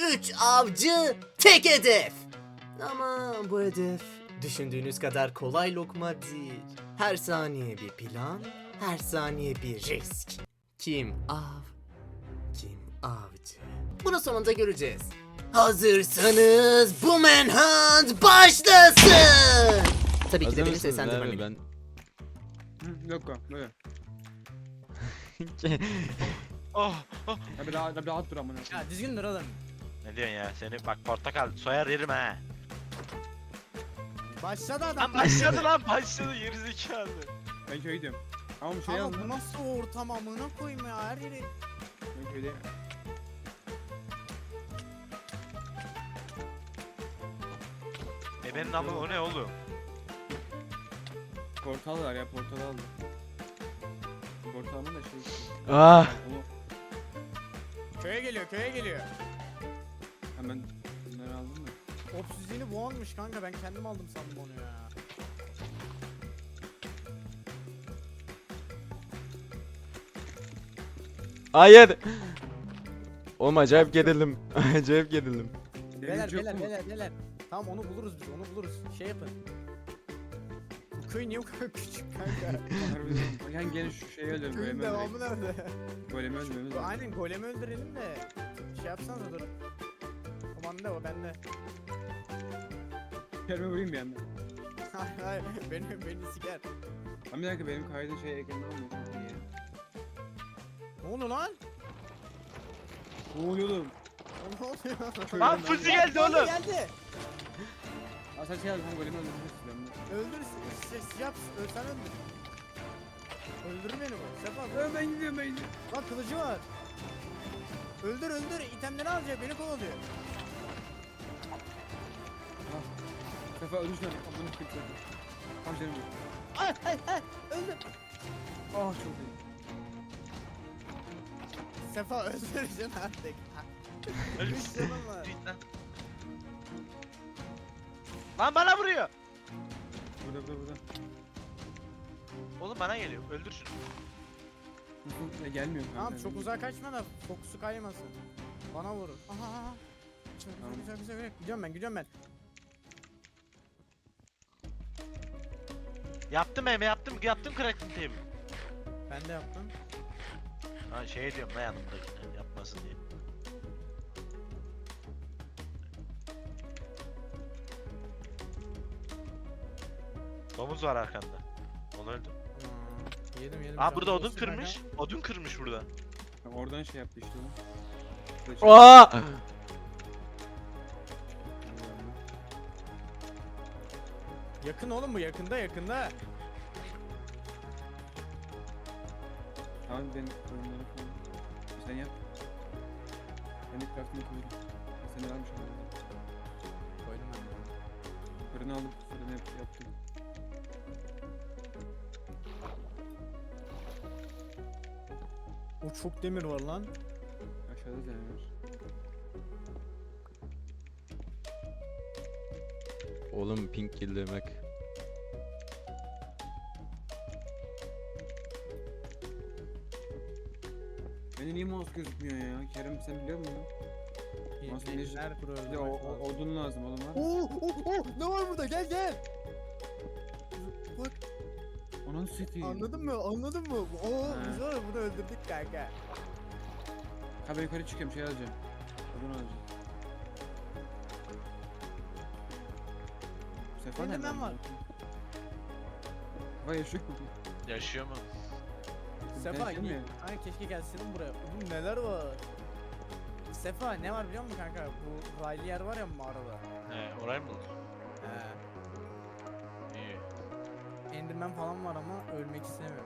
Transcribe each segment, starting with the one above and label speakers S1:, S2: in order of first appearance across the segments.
S1: 3 avcı, tek hedef. Ama bu hedef düşündüğünüz kadar kolay lokma değil. Her saniye bir plan, her saniye bir risk. Kim av, kim avcı? Bunu sonunda göreceğiz. Hazırsanız bu manhunt başlasın. Tabii ki de benim seslendirmem.
S2: Ben
S3: Yok böyle.
S4: Oh, oh.
S3: Abi rahat dur amına.
S5: Ya düzgün dur oğlum.
S4: Ne diyorsun ya? Seni bak portakal soyar yerim ha.
S5: Başladı adam.
S4: Lan başladı lan başladı gerizekalı.
S3: Ben köye gidiyorum. Ama bu şey
S5: Ama
S3: yazdım.
S5: bu nasıl ortam amına koyayım ya her yeri.
S3: Ben köyde.
S4: Benim namı o ne oğlum?
S3: Portal var ya, portal aldım. Portalın da şey.
S2: ah
S3: Onu
S5: Köye geliyor köye geliyor.
S3: hemen bunları aldım da.
S5: Obsüzliğini bu almış kanka ben kendim aldım sandım onu ya.
S2: hayır. Oğlum acayip gerildim. Acayip gerildim.
S5: Beyler
S3: Demirci yok
S5: beyler
S3: mu?
S5: beyler. Tamam onu buluruz biz onu buluruz. Şey yapın. Bu köy niye bu kadar küçük kanka?
S3: Harbiden. Yani gene şu şeyi öldürelim.
S5: Köyün
S3: Golemi
S5: devamı
S3: öldürelim.
S5: nerede?
S3: Golemi öldürmemiz lazım.
S5: Aynen golemi öldürelim de. Şey yapsanıza dur. O bende o bende.
S3: Kerime vurayım bir yandan.
S5: Hayır hayır beni siker.
S3: Ama bir dakika benim kaydın şey ekranı olmuyor. Çok iyi ya.
S5: Ne oldu lan?
S3: Ne oluyor oğlum?
S5: Ne oluyor?
S4: Lan Fuzi geldi oğlum.
S5: Geldi.
S3: Aa sen şey aldın, golemi öldüreceksin ben bunu.
S5: Öldür yap ölsen öldür. Öldür beni bu. Sefa
S3: Ben gidiyorum ben gidiyorum.
S5: lan kılıcı var. Öldür itemleri alacak beni kovalıyor.
S3: Sefa ölmüş lan. Bunu kırptı. Tam canım yok.
S5: Ay öldür.
S3: Ah çok iyi.
S5: Sefa öldüreceksin artık. Üç canım var.
S4: Lan bana vuruyor.
S3: Burada.
S4: Oğlum bana geliyor. Öldür şunu.
S3: Gelmiyor kanka.
S5: Tamam çok uzağa kaçma da fokusu kaymasın. Bana vurur. Aha. Güzel. Gidiyorum ben.
S4: Yaptım crafting table.
S5: Ben de yaptım.
S4: Ha şey diyorum da yanımdakine yapmasın diye. Domuz var arkanda. Onu öldüm.
S5: Yedim.
S4: Aa burada
S5: Canım
S4: odun
S5: olsun kanka.
S4: kırmış. Odun kırmış burada.
S3: Oradan şey yaptı işte onu.
S2: Aa!
S5: Yakın oğlum bu yakında.
S3: Tamam ben oyunları falan. Sen yap. Ben de craft'ını koydum. Sen de varmış orada.
S5: Koydum ben.
S3: Fırını aldım. Fırını yaptım.
S5: O çok demir var lan.
S3: Aşağıda da var.
S2: Oğlum pink kill demek.
S3: Bende niye mouse gözükmüyor ya? Kerem sen biliyor musun? Nasıl bir-
S5: Her pro
S3: Bir de odun lazım oğlum var.
S5: Oo, ne var burada? Gel. Bak
S3: Onun sütü.
S5: anladın mı? Oo
S3: Ha.
S5: biz var ya bunu öldürdük kanka.
S3: Ha ben yukarı çıkıyorum şey alacağım. Odun alacağım. Bu sefer
S5: Benim
S3: nereden
S5: ben var.
S3: buldun? Vay yaşıyor mu?
S4: Yaşıyor mu?
S5: Sefa
S3: Gelsin mi?
S5: hani keşke gelsin buraya. Oğlum neler var? Sefa ne var biliyor musun kanka? Bu raylı yer var ya mağarada.
S4: He orayı mı buldun?
S5: He.
S4: İyi.
S5: Enderman falan var ama ölmek istemiyorum.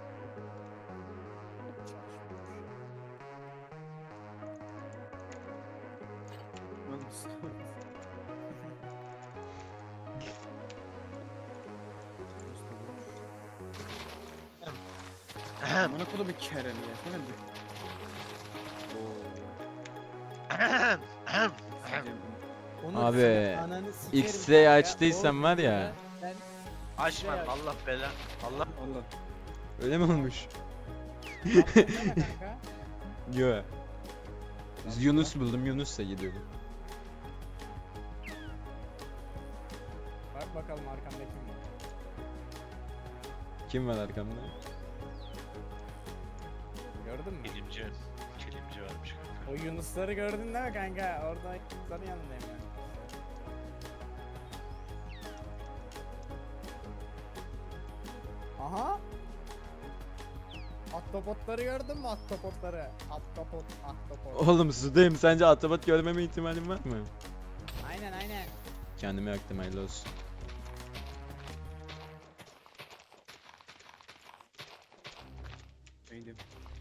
S3: Bana kodu bir Kerem ya. Sen de.
S5: Onu
S2: Abi,
S5: senin ananı sikerim
S2: X-ray
S5: kanka.
S2: açtıysan
S5: O
S2: var ya.
S5: videoda Ben
S4: Açma Allah bela. Allah.
S3: Allah.
S2: Öyle mi olmuş?
S5: yaptım deme kanka.
S2: Yo. Yunus buldum, Yunus'la gidiyorum.
S5: Bak bakalım arkamda kim var.
S2: Kim var arkamda?
S5: Gördün mü?
S4: Kilimci. Kilimci varmış kanka.
S5: O Yunusları gördün değil mi kanka? Orada Yunusların yanındayım ben. Aha! Ahtapotları gördün mü ahtapotları? Ahtapot.
S2: Oğlum sudayım, sence atabot görmeme ihtimalim var mı?
S5: Aynen aynen.
S2: Kendime yaktım, hayırlı olsun.
S3: Neydi?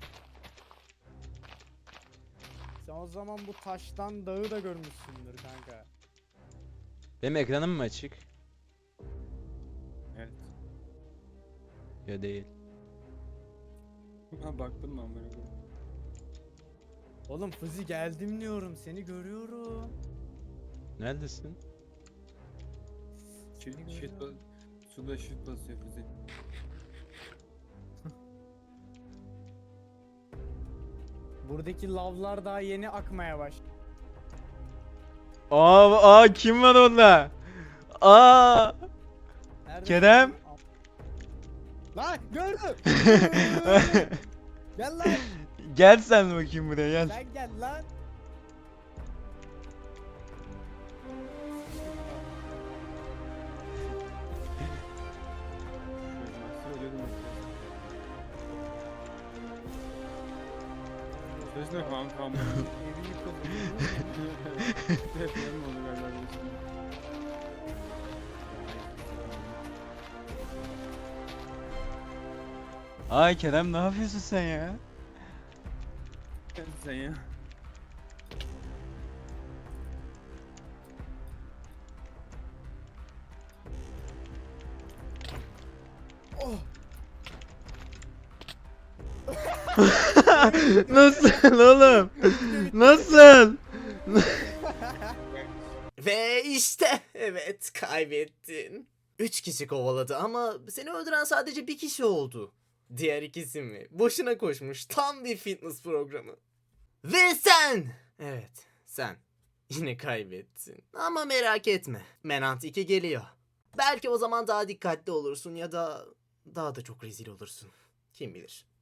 S5: Sen o zaman bu taştan dağı da görmüşsündür kanka.
S2: Benim ekranım mı açık?
S3: Evet.
S2: Ya değil.
S3: Ha baktın mı amına koyayım?
S5: Oğlum Fızi geldim diyorum seni görüyorum.
S2: Neredesin?
S3: Suda shit basıyor Füze.
S5: Buradaki lavlar daha yeni akmaya baş.
S2: Aa kim var orada? Aa!
S5: Nerede?
S2: Kerem?
S5: Lan gördüm. Gel lan.
S2: Gel sen bakayım buraya, gel.
S5: Sen gel lan.
S3: Söz ne kanka amına?
S5: Evi yıkıldı.
S3: Deprem oldu galiba benim için.
S2: Ay Kerem, ne yapıyorsun sen ya?
S3: Sen ya.
S2: Nasıl oğlum? Nasıl?
S1: Ve işte evet kaybettin. 3 kişi kovaladı ama seni öldüren sadece bir kişi oldu. Diğer ikisi mi? Boşuna koşmuş, tam bir fitness programı. Ve sen! Evet sen. Yine kaybettin. Ama merak etme. Menant 2 geliyor. Belki o zaman daha dikkatli olursun ya da daha da çok rezil olursun. Kim bilir.